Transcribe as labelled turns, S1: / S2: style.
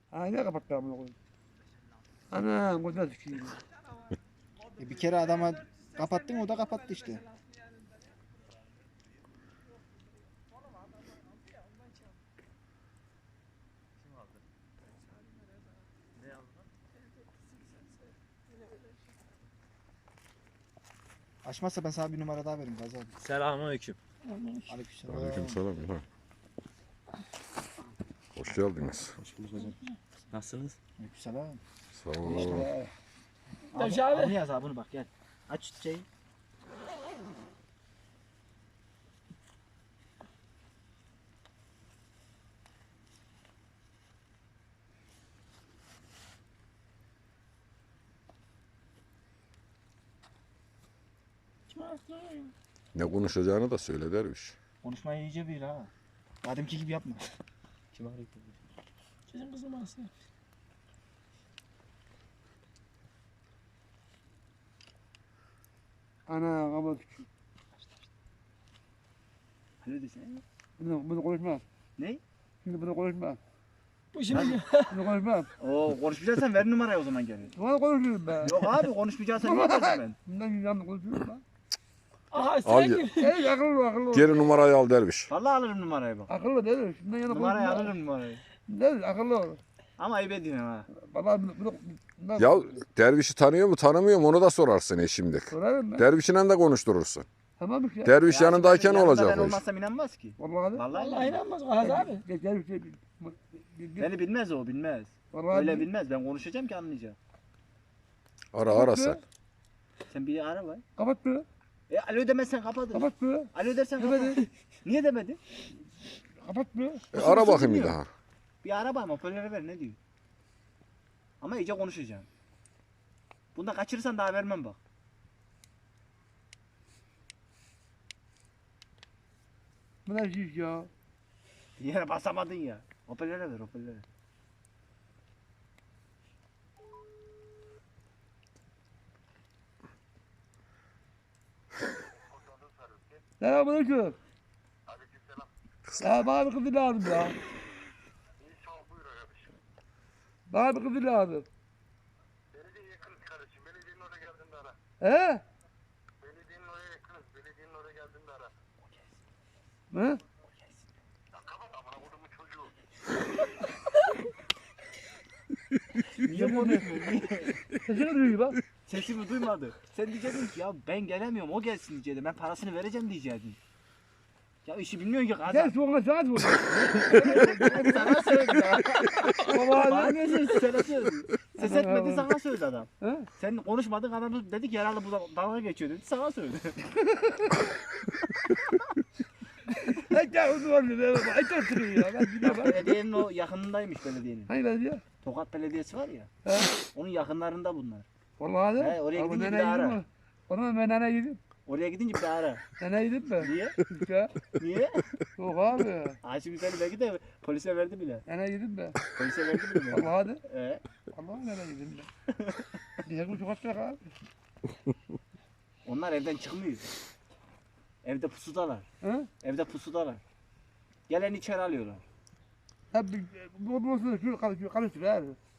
S1: Ne kapattı amına koyayım. Ana gözüne sikeyim.
S2: Bir kere adama kapattın, o da kapattı işte. Açmazsa ben sana bir numara daha veririm Gazi abi.
S3: Selamünaleyküm.
S2: Aleykümselam.
S4: Aleykümselam. Hoş geldiniz.
S2: Hoş bulduk hocam.
S3: Nasılsınız?
S2: Aleykümselam.
S4: Sağ olun.
S2: Abi yaz abi bunu bak gel. Aç şeyi.
S4: Ne konuşacağını da söyle derviş.
S2: Konuşmayı iyice bil ha. Ademki gibi yapma.
S3: Kim arıyor?
S5: Sizin kızım Asya.
S1: Ana kapat sikeyim.
S2: Ne diyorsun?
S1: Bunu konuşmam.
S2: Ne?
S1: Şimdi bunu konuşmam.
S5: Bu şimdi
S1: Bunu konuşmam.
S2: Oo konuşmayacaksan ver numarayı o zaman gel.
S1: Bunu konuşurum ben.
S2: Yok abi konuşmayacaksan niye versin ben?
S1: Bundan yanında konuşurum ben.
S5: aha
S4: Al
S5: sen
S4: ya.
S5: kim?
S1: Akıllı.
S4: Geri numarayı al derviş.
S2: Vallahi alırım numarayı bak.
S1: Akıllı değil. Şundan yana
S2: Numarayı
S1: konuşma.
S2: alırım numarayı.
S1: Değil akıllı ol.
S2: Ama ayıp ediyorsun ha.
S1: Valla bunu
S4: Ya dervişi tanıyor mu tanımıyor mu onu da sorarsın şimdi.
S1: sorarım ben.
S4: Dervişle de konuşturursun.
S1: Tamam işte.
S4: Derviş
S2: Ya
S4: yanındayken
S2: şimdi yanında
S4: olacak
S2: ben
S4: o iş.
S2: olmazsam inanmaz ki.
S1: Vallahi de.
S2: Vallahi
S5: Allah inanmaz Gazi abi.
S1: Gel bir şey.
S2: Beni bilmez o bilmez.
S1: Vallahi
S2: Öyle bilmez. Ben konuşacağım ki anlayacak.
S4: Ara sen.
S2: Sen bir ara var.
S1: Kapat be.
S2: Alo demezsen kapatır.
S1: Kapat be.
S2: Alo dersen kapat.
S1: Demedi.
S2: Niye demedi?
S1: Kapat be.
S4: Ara bakayım bir daha.
S2: Bir ara bakma hoparlöre ver ne diyor. Ama iyice konuşacağım. Bunda kaçırırsan daha vermem bak.
S1: Bu ne şey ya?
S2: Bir yere basamadın ya. Hoparlöre ver hoparlöre.
S1: Selamünaleyküm. Ya bana bir kızı lazım ya. Bana bir kızı lazım.
S6: Belediye yakınız kardeşim. Belediyenin oraya geldiğinde ara.
S1: He?
S6: Belediyenin oraya yakınız. Belediyenin oraya geldiğinde ara.
S1: He?
S6: Ya kapat amına kodumun çocuğu.
S2: Niye konuşmuyorsun? Niye?
S1: Sesini duyuyor bak.
S2: Sesimi duymadı. Sen diyecektin ki ya ben gelemiyorum o gelsin diyecektin. Ben parasını vereceğim diyecektin. Ya işi bilmiyorsun ki
S1: Gel
S2: kadar.
S1: sonra saat vur.
S2: Sana söyledi ya.
S1: Baba
S2: Bana ne söyledi sana söyledi. Ses etmedi sana söyledi adam.
S1: He?
S2: Sen konuşmadın adam dedi ki herhalde bu dalga geçiyor dedi sana söyledi.
S1: Gel onu var dedi. Ay çok sıkıyor ya. Ben gidiyorum bak.
S2: Belediyenin o yakınındaymış belediyenin.
S1: Hangi belediye?
S2: Tokat Belediyesi var ya.
S1: He?
S2: Onun yakınlarında bunlar.
S1: Vallahi de.
S2: He, oraya
S1: Ama
S2: gidince bir
S1: neneye
S2: daha ara.
S1: gideyim mi? Ona ben neneye gideyim.
S2: Oraya gidince bir daha ara.
S1: Neneye gideyim mi?
S2: Niye?
S1: Ya.
S2: Niye?
S1: Yok abi.
S2: Ayşe Güzel'i belki de polise verdi bile.
S1: Neneye gideyim mi?
S2: Polise verdi bile.
S1: Vallahi de.
S2: He.
S1: Neneye gideyim ben. Niye bu çok açacak abi?
S2: Onlar evden çıkmıyor. Evde pusudalar.
S1: He?
S2: Evde pusudalar. Gelen içeri alıyorlar.
S1: Hep bu olsun şu karıştır abi.